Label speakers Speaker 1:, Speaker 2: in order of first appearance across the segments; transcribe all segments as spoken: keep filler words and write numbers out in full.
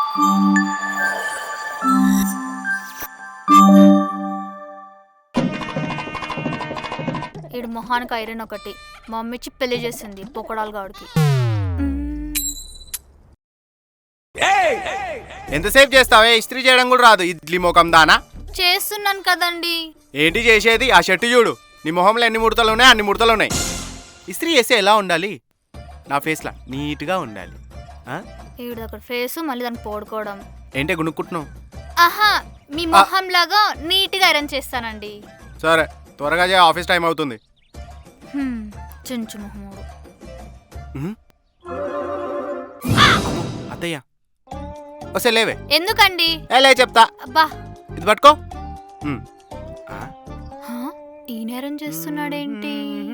Speaker 1: ఈడు మొహానికి ఐరన్ ఒకటి మా మమ్మీ ఇచ్చి పెళ్లి చేసింది పొకడాలు గాడికి.
Speaker 2: ఎంతసేపు చేస్తావే? ఇస్త్రీ చేయడం కూడా రాదు ఇడ్లీ ముఖం దానా?
Speaker 1: చేస్తున్నాను కదండి.
Speaker 2: ఏంటి చేసేది? ఆ షర్టు చూడు, నీ మొహంలో ఎన్ని ముడతలు ఉన్నాయి అన్ని ముడతలు ఉన్నాయి. ఇస్త్రీ చేస్తే ఎలా ఉండాలి? నా ఫేస్లా నీట్గా ఉండాలి.
Speaker 1: ఈడు దగ్గర ఫేస్ మళ్ళీ దాన్ని పోడుకోవడం
Speaker 2: ఏంటే గుణుక్కుంటున్నావు?
Speaker 1: ఆహా, మీ మొహం లాగా నీట్గా ఐరన్ చేస్తానండి.
Speaker 2: సరే త్వరగా చేయ, ఆఫీస్ టైం అవుతుంది.
Speaker 1: చెంచు మొహముడు.
Speaker 2: అత్తయ్య వస్తే లేవే.
Speaker 1: ఎందుకండి?
Speaker 2: లే చెప్తా.
Speaker 1: అబ్బా
Speaker 2: ఇది పట్టుకో.
Speaker 1: ఈ నేరం చేస్తున్నాడేంటి?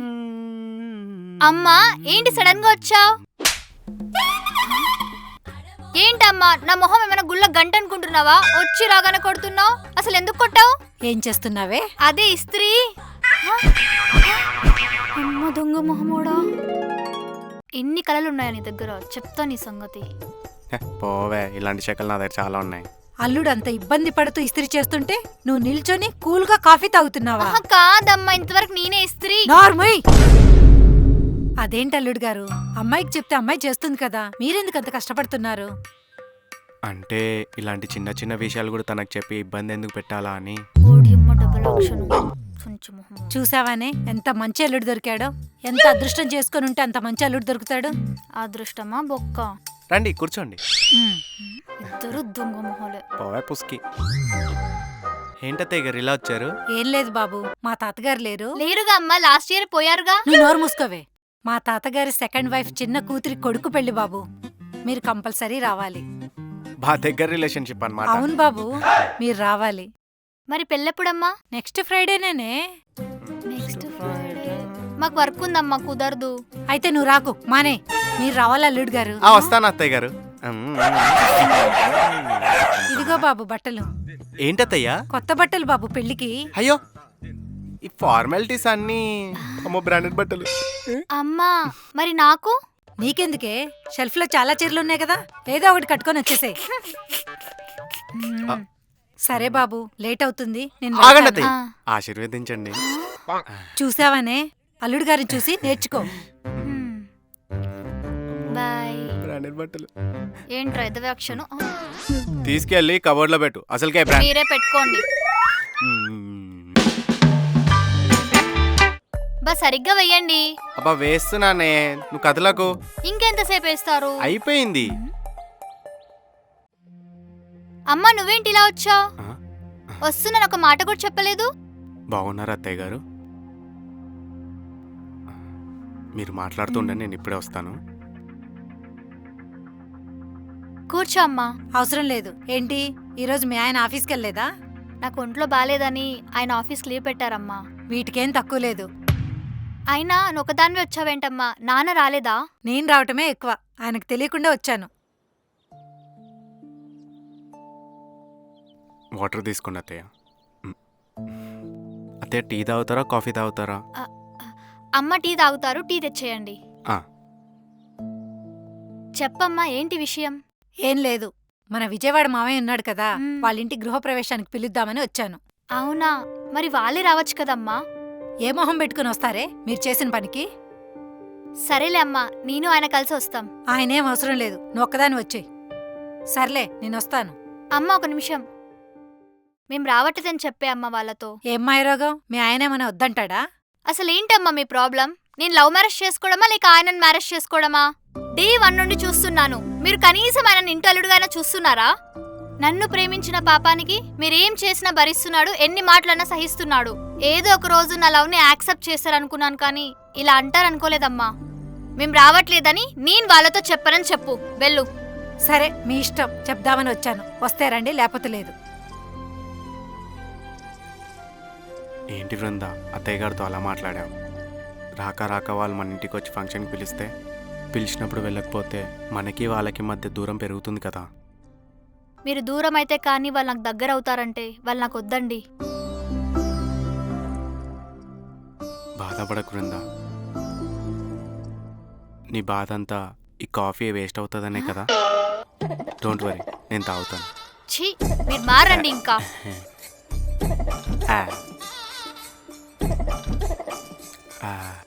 Speaker 1: అమ్మా ఏంటి సడన్ గా వచ్చావు? ఏంటమ్మా నా మొహం ఏమైనా గుళ్ళ గంట అనుకుంటున్నావా? వచ్చి రాగానే కొడుతున్నావు. అసలు ఎందుకు కొట్టావు?
Speaker 3: ఏం చేస్తున్నావే?
Speaker 1: అదే ఇస్త్రీ. అమ్మ దొంగ మొహమోడా, ఎన్ని కళలు ఉన్నాయా నీ దగ్గర? చెప్తా నీ సంగతి.
Speaker 2: పోవే, ఇలాంటి శకలు నా దగ్గర చాలా ఉన్నాయి.
Speaker 3: అల్లుడు అంత ఇబ్బంది పడుతూ ఇస్త్రీ చేస్తుంటే నువ్వు నిల్చొని కూల్ గా కాఫీ తాగుతున్నావా?
Speaker 1: కాదమ్మా, ఇంతవరకు నేనే ఇస్త్రీ.
Speaker 3: నార్మల్. అదేంటి అల్లుడు గారు, అమ్మాయికి చెప్తే అమ్మాయి చేస్తుంది కదా, మీరెందుకు అంత కష్టపడుతున్నారు?
Speaker 2: అంటే ఇలాంటి చిన్న చిన్న విషయాలు కూడా తనకు చెప్పి ఇబ్బంది ఎందుకు పెట్టాలా అని.
Speaker 3: చూసావానే ఎంత మంచి అల్లుడు దొరికాడో? ఎంత అదృష్టం చేసుకుని ఉంటే అంత మంచి అల్లుడు దొరుకుతాడు.
Speaker 1: అదృష్టమా బొక్క?
Speaker 2: రండి కూర్చోండి.
Speaker 1: ఇద్దరు దొంగ మొహాలే.
Speaker 2: పోవే పుస్కి. ఏంటత్తయ్య గారు ఇలా వచ్చారు?
Speaker 3: ఏం లేదు బాబు, మా తాతగారు లేరు.
Speaker 1: లేరుగా అమ్మా, లాస్ట్ ఇయర్ పోయారుగా.
Speaker 3: నువ్వు నోరు మూసుకోవే. మా తాతగారి సెకండ్ వైఫ్ చిన్న కూతురి కొడుకు పెళ్లి బాబు, మీరు కంపల్సరీ రావాలి.
Speaker 2: బా దగ్గర రిలేషన్షిప్ అన్నమాట.
Speaker 3: అవును బాబు, మీరు రావాలి.
Speaker 1: మరి పెళ్ళెప్పుడమ్మా?
Speaker 3: నెక్స్ట్ ఫ్రైడేనే.
Speaker 1: నెక్స్ట్ ఫ్రైడే మాకు వర్క్ ఉందమ్మా, కుదరదు.
Speaker 3: అయితే నువ్వు రాకు, మానే. మీరు రావాలి అల్లుడు గారు.
Speaker 2: వస్తాను అత్తయ్య గారు.
Speaker 3: ఇదిగో బాబు బట్టలు.
Speaker 2: ఏంటత్తయ్యా?
Speaker 3: కొత్త బట్టలు బాబు పెళ్లికి.
Speaker 2: అయ్యో ఈ ఫార్మాలిటీస్ అన్ని అమ్మో బ్రాండెడ్ బట్టలు.
Speaker 1: అమ్మా మరి నాకు?
Speaker 3: నీకెందుకే, షెల్ఫ్ లో చాలా చీరలు ఉన్నాయి కదా, ఏదో ఒకటి కట్టుకొని వచ్చేసే. సరే బాబు, లేట్ అవుతుంది.
Speaker 2: నేను ఆశీర్వదించండి.
Speaker 3: చూసావానే, అల్లుడు గారిని చూసి నేర్చుకో.
Speaker 1: బాయ్.
Speaker 2: బ్రాండెడ్ బట్టలు
Speaker 1: ఏంట్రా ఎదవాక్షను?
Speaker 2: తీసుకెళ్ళి కబోర్డ్ లో పెట్టు. అసలుకే
Speaker 1: మీరే పెట్టుకోండి. బా సరిగ్గా వెయ్యండి.
Speaker 2: అబ్బా వేస్తున్నానే, నువ్వు కథలకు.
Speaker 1: ఇంకెంతసేపు వేస్తారు?
Speaker 2: అయిపోయింది.
Speaker 1: అమ్మా నువ్వేంటి ఇలా వచ్చావు? వస్తున్నాను ఒక మాట కూడా చెప్పలేదు.
Speaker 2: బాగున్నారా అత్తయ్య గారు? మీరు మాట్లాడుతుండే, నేను ఇప్పుడే వస్తాను.
Speaker 1: కూర్చో అమ్మా.
Speaker 3: అవసరం లేదు. ఏంటి ఈరోజు మీ ఆయన ఆఫీస్కి వెళ్ళలేదా?
Speaker 1: నాకు ఒంట్లో బాలేదని ఆయన ఆఫీస్కి లీవ్ పెట్టారమ్మా.
Speaker 3: వీటికేం తక్కువ లేదు.
Speaker 1: అయినా నొకదానివే వచ్చావేంటమ్మా, నాన్న రాలేదా?
Speaker 3: నేను రావటమే ఎక్కువ, ఆయనకు తెలియకుండా వచ్చాను.
Speaker 2: వాటర్ తీసుకోండి అత్తయ్య. అత్తయ్య టీ తాగుతారా కాఫీ తాగుతారా?
Speaker 1: అమ్మ టీ తాగుతారు, టీ తెచ్చేయండి. చెప్పమ్మా ఏంటి విషయం?
Speaker 3: ఏం లేదు, మన విజయవాడ మామయ్య ఉన్నాడు కదా, వాళ్ళ ఇంటి గృహప్రవేశానికి పిలుద్దామని వచ్చాను.
Speaker 1: అవునా, మరి వాళ్ళే రావచ్చు కదమ్మా.
Speaker 3: ఏ మొహం పెట్టుకుని వస్తారే మీరు చేసిన పనికి?
Speaker 1: సరేలే అమ్మా, నేను ఆయన కలిసి వస్తాం.
Speaker 3: ఆయనేం అవసరం లేదు, నువ్వు ఒక్కదాని వచ్చేయ్. సర్లే నేను వస్తాను.
Speaker 1: అమ్మ ఒక నిమిషం, మేం రావట్లేదని చెప్పే అమ్మ వాళ్ళతో.
Speaker 3: ఏం మాయరోగం, మీ ఆయనేమన్నా వద్దంటాడా?
Speaker 1: అసలేంటమ్మా మీ ప్రాబ్లం? నేను లవ్ మ్యారేజ్ చేసుకోవడమా లేక ఆయనను మ్యారేజ్ చేసుకోవడమా? డే వన్ నుండి చూస్తున్నాను, మీరు కనీసం ఆయన ఇంటలుడుగానే చూస్తున్నారా? నన్ను ప్రేమించిన పాపానికి మీరేం చేసినా భరిస్తున్నాడు, ఎన్ని మాటలన్నా సహిస్తున్నాడు. ఏదో ఒక రోజు నా లవ్ని యాక్సెప్ట్ చేస్తారనుకున్నాను, కానీ ఇలా అంటారనుకోలేదమ్మా. మేం రావట్లేదని నేను వాళ్ళతో చెప్పనని చెప్పు, వెళ్ళు.
Speaker 3: సరే మీ ఇష్టం, చెప్దామని వచ్చాను. వస్తే రండి, లేకపోతే లేదు.
Speaker 2: ఏంటి బృంద, అత్తయ్య గారితో అలా మాట్లాడావు? రాక రాక వాళ్ళు మన ఇంటికి వచ్చి ఫంక్షన్కి పిలిస్తే, పిలిచినప్పుడు వెళ్ళకపోతే మనకి వాళ్ళకి మధ్య దూరం పెరుగుతుంది కదా.
Speaker 1: మీరు దూరం అయితే కానీ వాళ్ళు నాకు దగ్గర అవుతారంటే వాళ్ళు నాకు వద్దండి.
Speaker 2: బాధపడకు బృంద, నీ బాధ అంతా ఈ కాఫీ వేస్ట్ అవుతుందనే కదా. డోంట్ వరీ, నేను తాగుతాను.
Speaker 1: ఛీ మీరు మారండి ఇంకా.
Speaker 2: ఆ. ఆ.